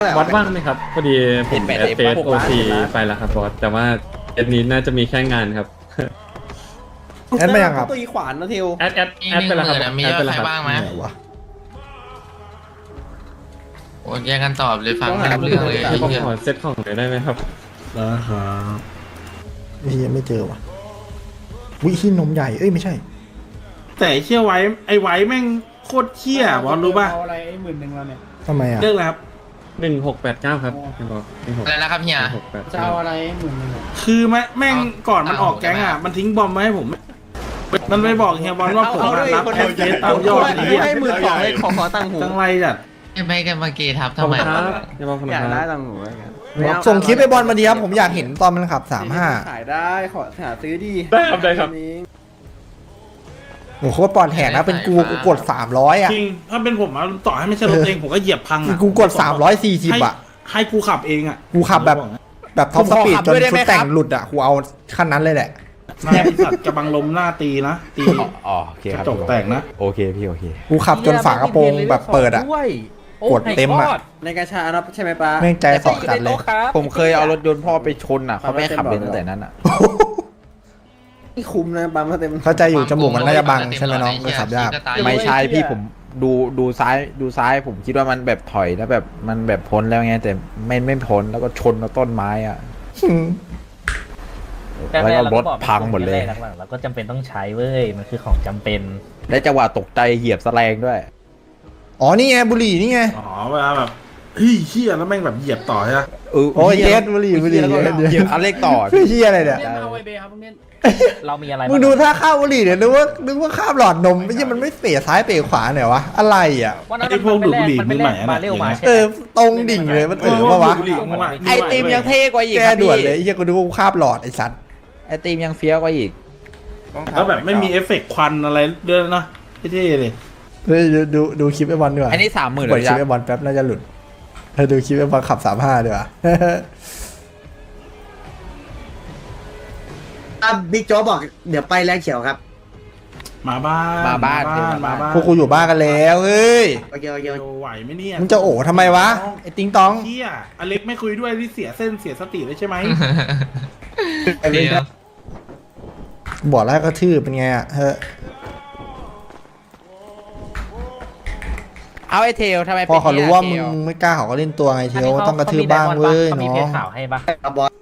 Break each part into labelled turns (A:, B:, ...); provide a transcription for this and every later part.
A: บอสว่างไหมครับพอดีผมแอดเฟสโอซีไปแล้วครับบอสแต่ว่าแอดนี้น่าจะมีแค่งานครับ
B: แอดไม่ยังครับ
C: ตัวอีขวานนะเทล
A: แอดไปแล้วครับ
D: มี
A: แอด
D: ยอ
A: ไป
D: ด
A: แล้ว
D: ใคร
A: ครับ
D: บ้างไหม
B: ไหนวะ
D: โอ้ยแยกกันตอบเลยฟังไม่รู้เรื่องเลยไอ้
A: ผม
D: เหี้ย
A: ขอเซตของหน่อยได้ไหมครับ
B: นะครับนี่ยังไม่เจอวะวิที่นมใหญ่เอ้ยไม่ใช่
E: แต่ไอ้เชี่ยไว้ไอ้ไว้แม่งโคตรเชี่ยบอลรู้ป่ะ
C: เอาอะไรไอ้10,000เราเนี่ย
B: ทำไมอ่ะ
E: เรื่องอะไรครับ
A: 1689ครับพี่บอส
D: อะไรนะครับเฮีย
C: จะเอา
A: 1689
C: อะไรไอ้10,000เนี่ย
E: คือแม่งก่อนมันออกแก๊งอ่ะมันทิ้งบอมมาให้ผม มันไปบอกเฮียบอลว่าผมอะรับแอดเฟสตามยอดนี้
C: ให้12,000ให้ขอตังค์หู
E: จังไรจัด
D: ไม่กันเมื่อกี้ทับ
A: ขอบ
D: ทำไม
A: คุณครับพี่บอสขอบคุณ
C: อยาก
A: ค
C: ได้
A: รับ
C: ตังค์หูแล้วกัน
B: ส่งคลิปไปบอลมาดีครับผมอยากเห็นตอนมันขับ35
C: ขายได้ขอหาซื้อดี
A: ได้ครับได้ครับ
B: โอ้โหโคตรปลอดแหกนะเป็นกูกด300อ่ะ
E: จริงถ้าเป็นผมอะต่อให้ไม่ใช่รถเองผมก็เหยียบพังอ่ะ
B: กูกด340อ่ะ
E: ให้กูขับเองอ่ะ
B: กูขับแบบท็อปสปีดจนชุดแต่งหลุดอ่ะกูเอาขั้นนั้นเลยแหละ
E: นายสัตว์กระบังลมหน้าตีนะตี
F: อ๋อโอเค
E: ก
F: ครั
E: ระ
F: บ
E: จกแตกนะ
F: โอเคพี่โอเค
B: กูขับจนฝากระโปรงแบบเปิดอ่ะ กดเต็มอ่ะ
C: ในกระชานะใช่ไหมป้า
B: แม่งใจสอจัดเลย
F: ผมเคยเอารถยนต์พ่อไปชนอ่ะเขาไม่ให้ขับเลยตั้งแต่นั้นอ่ะ
C: นี่คุ้มนะปั๊มมาเต็ม
B: เข้าใจอยู่จมูกมันน่าจะบังใช่ไหมน้องก็ขับยาก
F: ไม่ใช่พี่ผมดูซ้ายผมคิดว่ามันแบบถอยแล้วแบบมันแบบพ้นแล้วไงแต่ไม่พ้นแล้วก็ชนกับต้นไม้อ่ะแล้วก็รถพังหมดเลย
G: เราก็จำเป็นต้องใช้เว้ย มันคือของจำเป็น
F: และจังหวะตกใจเหยียบแสลงด้วย
B: อ๋อนี่ไงบุหรี่นี่ไง
E: อ๋อเวลาแบบเฮ้ยเชี่ยแล้วแม่งแบบเหยียบต่อใช่ไหม
B: โอ้ยเย็ดบุหรี่
F: แล้วก็เหยียบคันเร่งต่อ
B: พี่เชี่ยอะไรเนี่ย
C: เอาไอเบครับพวกนี้
G: เรามีอะไร
B: มึงดูท่าข้าวบุหรี่เนี่ยนึกว่าข้ามหลอดนมไม่ใช่มันไม่เป๋ซ้ายเป๋ขวาเนี่ยวะอะไรอ่ะ
G: วันนั้นมันไปแลกมาเร็วมาใช่
B: เอ
G: ไหม
B: อตรงดิ่งเลยมันเออปะวะ
F: ไอติมยังเท่กว่าอีก
B: แก
F: ครับ
B: ด่วน
F: พี่
B: เลยไอ้เหี้ยกูดูว่ากูข้ามหลอดไอ้สัตว์
F: ไอติมยังเฟี้ยวกว่าอีก
E: แล้วแบบไม่มีเอฟเฟกต์ควันอะไรด้วยนะเท่ๆเลย
B: เฮ้ยดูคลิปไอ้บอลดีกว่า
F: อันนี้30,000
B: เปิด
F: เลย
B: คลิป
F: จ้ะ
B: ไอ้บอลแป๊บน่าจะหลุดเธอดูคลิปไอ้บอลขับ35ดีกว่า
C: บิ๊กโจ๊กบอกเดี๋ยวไปแลกเขียวครับ
E: มาบ้าน
F: มาบ้าน
E: มาบ้าน
B: พวกกูอยู่บ้านกันแล้วเฮ้ย
C: โอเคโอเค
E: เดี๋ยวไหวไหมเนี่ย
B: มึงจะโอ้ทำไมวะไอ้ติงตอง
E: เชี่ยอเล็กไม่คุยด้วยที่เสียเส้นเสียสติเลยใช่ไหม
D: เฮีย
B: บอกแล้วก็ทื่อเป็นไงอ่ะเฮ้ย
F: เอาไอเทลทำไม
B: พอเขารู้ว่ามึง
F: เทล
B: ไม่กล้าเขาก็เล่นตัวไงเทียวต้องกระทืบบ้างเว้ย
G: เขามี
B: น้อ
G: เพจ
B: ง
G: ข่าวให้ปะ
C: บอส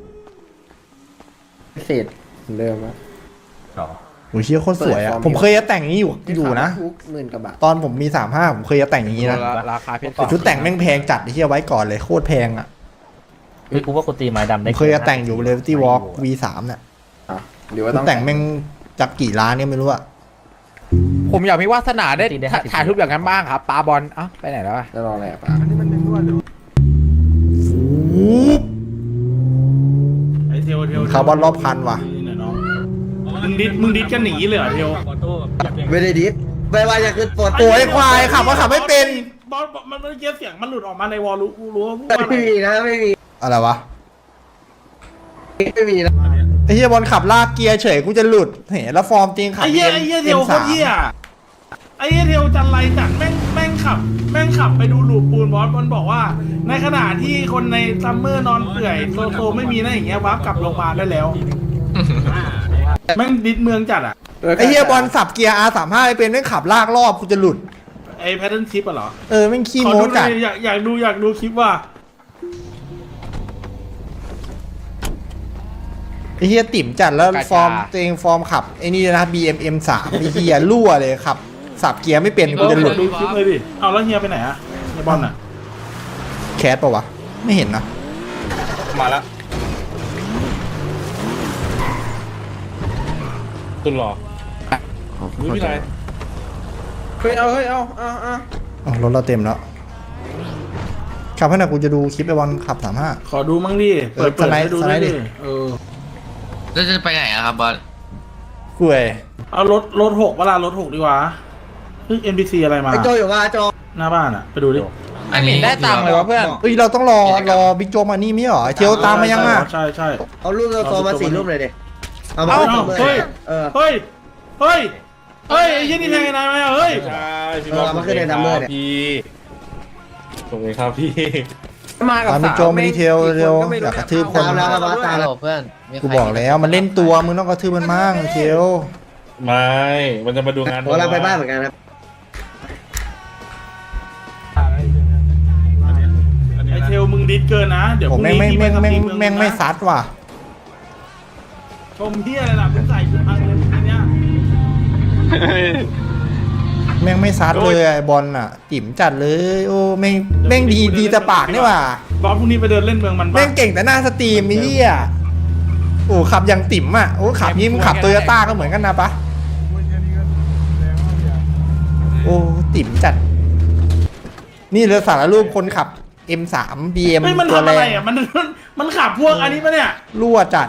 C: เศษเดิมอะ
G: อ๋อ
B: โอ้ยเชี่ยโคตรสวยอ่ะผมเคยจะแต่งอย่างนี้อยู่นะ
C: ทุก10,000กว่าบาท
B: ตอนผมมี35ผมเคยจะแต่งอย่างนี้นะ
F: ราคาเพชร
B: แต่ชุดแต่งแม่งแพงจัดไอ้เหี้ยไว้ก่อนเลยโคตรแพงอ่ะ
G: เฮ้ยกูว่ากูตีไม้ดำ
B: ผ
G: ได้
B: มเคยจะแต่งอยู่เลเวตี้วอล์ก V3 เนี่ย
C: หรือว่า
B: ชุ
C: ต้
B: ด
C: อง
B: แต่งแม่งจากกี่ล้านเนี่ยไม่รู้อ่ะ
F: ผมอยากมีวาสนาได้ถ่ายรูปอย่างนั้นบ้างครับปาบอลเอ้าไปไหนแล้วอะ
C: จะรออะไรอ่ะป้า
E: ไอเทลเทล
B: คาร์บอนรอบคันว่ะ
E: นี่น่น้องมึงดิดกันหนีเลยเหรอเทล
C: ไม่ได้ดิสไม่ว่าจะขึ้นโปร
B: โอ้ยควายขับก็ขับไม่เป็น
E: บอสมันเมื่อกี้เสียงมันหลุดออกมาในวอลรู้ว่าพูดว่าอะไร
C: ไม่มีนะไม่มี
B: อะไรวะ
C: ไม่มีนะ
B: ไอ้เหี้ยบอลขับลากเกียร์เฉยกูจะหลุดเห็นแล้วฟอร์มจริงขับ
E: ไอ้เหี้ยเทลโคตรเหี้ยไอ้เหี้ยเทลจันไรจัดแม่งขับไปดูหลูปปูนบอสมันบอกว่า ในขณะที่คนในซัมเมอร์นอนเปื่อยโซไม่มีนะอย่างเงี้ยวับกลับโรงพยาบาลได้แล้วแม่งดิดเมืองจัดอ่ะ
B: ไอ้เหี้ยบอลสับเกียร์ R35 ไม่เป็นแม่งขับลากรอบกูจะหลุด
E: ไอ้แพทเทิร์นชิปอ่ะเหรอ
B: เออแม่งขี้
E: ขอ
B: โม้
E: ดูหน่
B: จั
E: อ
B: ด
E: ยอยากดูคลิปว่า
B: ไอ้เหี้ยติ่มจัดแล้วฟอร์มตัวเองฟอร์มขับไอ้นี่นะ BMM3 ไอ้เหี้ยรั่วเลยขับสับเกียร์ไม่เป็นกูจะหลุด
E: ดูคลิปเลยดิเอาแล้วเฮียไปไหนอะเฮียบอลอ่ะ
B: แคสปะวะไม่เห็นนะ
A: มาแล้วตุนหรอไม่มีอะไร
C: เฮ้ยเอา
B: อ๋อรถเราเต็มแล้วขับให้หน่อยกูจะดูคลิปไอ้บอลขับ35
E: ขอดูมั่งดิเปิด
B: สไลด์
E: ให้ดู
B: สไล
E: ด้วย
B: ด์ดิ
E: ดิเออ
D: แล้วจะไปไหนอะครับบอส
B: กูเอ้ย
E: เอารถ6เวลารถ6ดีกว่าเฮ้ย NPC อะไรมา
C: ไอโจอยู่ว่าโจ
E: หน้าบ้านอะไปดูดิ
D: อันนี้
F: ได้ตังค์เลยวะเพื่อน
B: เฮ้ยเราต้องรอบิ๊กโจ๊กมานี่ไม่เหรอไอ้เทียวตามมายังอ่ะ
E: ใช่
C: เอารูปโจมา4รูปเลยดิเอามา
E: เฮ้ย
C: เออ
E: เฮ้ยไอ้ยี่นี่แทงไอ้นายไหมอะเฮ้ย
A: ใช่พี่
C: เอามาขึ้นในนัมเบอร์เนี่ย
A: พี่ส่งเลยครับพี่
C: มากับ
B: ตามไปโจมดีเทลเร็วอยากกระทืบคน
C: ตามแล้วครับตามแล้ว
D: เพื่อน
B: กูบอกแล้วมันเล่นตัวมึงต้องกระทืบมันมั่งเทล
H: ไม่ มันจะมาดูงาน
C: ผมกำลังไปบ้านเหมือนกันครับ
E: ไอเทลมึงดิสเกินนะเดี๋ยวพ
B: ผม
E: รุ่ง
B: แม่ง
E: นี้
B: ไม่
E: พี่
B: แม่ง
E: ไป
B: แม่ง
E: สตรี
B: ไม่
E: เองนะ
B: ซัดว่ะ
E: ชมเฮียอะไรล่ะมึงใส่กูพังเลยทีเนี้ย
B: แม่งไม่ซัดเลยไอ้บอลอ่ะติ่มจัดเลยโอ้แม่งแม่งดีแต่ปากนี่ว่ะ
E: บอสพรุ่งนี้ไปเดินเล่นเมืองมัน
B: แม่
E: ปะ
B: งเก่งแต่หน้าสตรีมไอ้เหี้ยโอ้ขับอย่างติ่มอ่ะโอ้ขับนี่มึงขับโตโยต้าก็เหมือนกันนะปะโอ้ติ่มจัด นี่เลยสารรูปคนขับ M3 BM
E: เฮ้ยมัน
B: ตัว
E: ทำ
B: แร
E: อะไร
B: ง
E: อ่ะมันขับพวกอันนี้ปะเนี่ย
B: รั่วจัด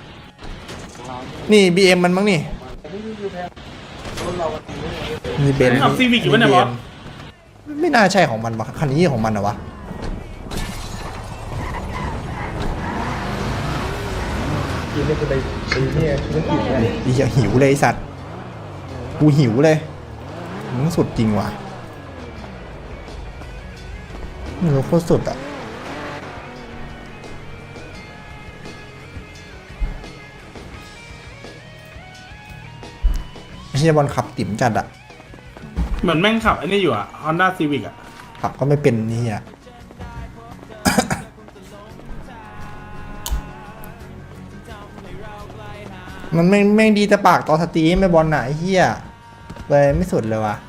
B: นี่ BM มันมั้งนี่นี่เบนซ์
E: ขับซีวิกอยู่ปะเนี่ยบอส
B: ไม่น่าใช่ของมันวะคันนี้ของมันนะวะอีเหี้ยหิวเลยไอ้สัตว์กูหิวเลยมึงสุดจริงว่ะมึงโคตรสุดอ่ะไอ้เหี้ยบอลขับติ๋มจัดอ่ะ
E: เหมือนแม่งขับไอ้นี่อยู่อ่ะ Honda Civic อ่ะ
B: ขับก็ไม่เป็นนี่อ่ะ มันแม่งดีแต่ปากตอนสตรีมไม่บอลไหนะไอ้เหี้ยเลยไม่สุดเลยว่ะ